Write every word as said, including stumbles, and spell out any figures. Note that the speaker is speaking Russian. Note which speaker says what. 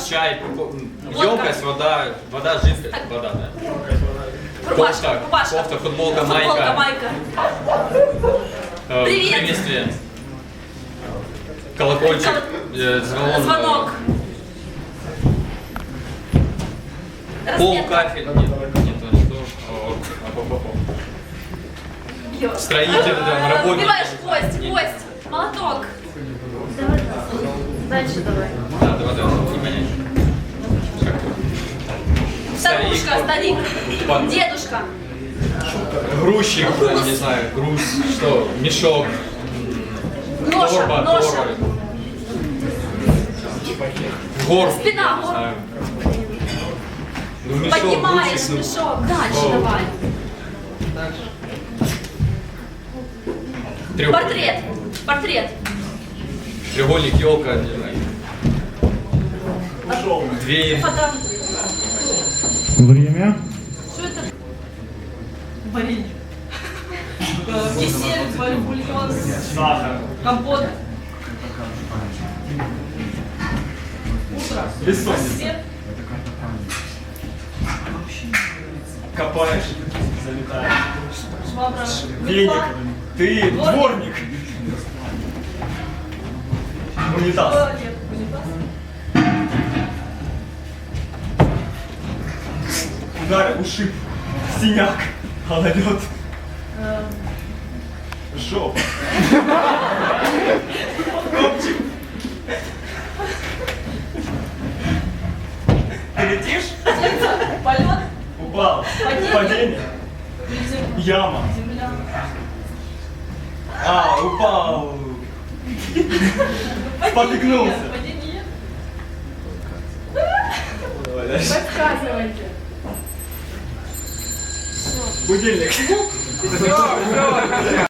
Speaker 1: чай, емкость, вода, вода, жидкость, вода, да.
Speaker 2: Рубашка,
Speaker 1: Кофта,
Speaker 2: рубашка.
Speaker 1: кофта, футболка,
Speaker 2: Футболка,
Speaker 1: майка.
Speaker 2: майка.
Speaker 1: Э,
Speaker 2: Привет.
Speaker 1: Приветствие. Колокольчик, э, звонок.
Speaker 2: Звонок.
Speaker 1: Пол,
Speaker 2: Разметка.
Speaker 1: кафель. Нет, нет, что? О, о, о, о.
Speaker 2: Бьёт.
Speaker 1: Строитель, да, работник.
Speaker 2: Убиваешь кость,
Speaker 1: Не-
Speaker 2: кость, молоток.
Speaker 3: Давай, дальше давай.
Speaker 1: Да, давай, давай, не понять.
Speaker 2: Старушка, старик.
Speaker 1: Пан-
Speaker 2: Дедушка.
Speaker 1: Грузчик,
Speaker 2: Груз.
Speaker 1: не знаю, груз, что, мешок,
Speaker 2: Ноша,
Speaker 1: торба,
Speaker 2: ноша.
Speaker 1: торба. Гор,
Speaker 2: Спина,
Speaker 1: я не
Speaker 2: гор.
Speaker 1: знаю. Ну, мешок,
Speaker 2: Поднимаешь
Speaker 1: грузчик, ну.
Speaker 2: мешок. Дальше
Speaker 1: О.
Speaker 2: давай.
Speaker 1: Треугольник.
Speaker 2: Портрет. Портрет.
Speaker 1: Треугольник, елка, не знаю. Дверь.
Speaker 2: Фото.
Speaker 4: Время.
Speaker 2: Что это? Варенье. Кисель, бульон, компот. Утро. Рассвет.
Speaker 5: Копаешь, залетаешь.
Speaker 2: Швабра.
Speaker 5: Веник.
Speaker 2: Метла.
Speaker 5: Ты дворник. Унитаз.
Speaker 2: Туалет. Унитаз.
Speaker 5: Удар, ушиб. Синяк. Гололед. Жоп. Копчик. Ты летишь?
Speaker 2: Полет.
Speaker 5: Упал.
Speaker 2: Падение.
Speaker 5: Падение. Яма.
Speaker 2: Земля.
Speaker 5: А, упал. Спотыкнулся.
Speaker 2: Падение.
Speaker 5: Давай дальше.
Speaker 2: Подсказывайте.
Speaker 5: Будильник.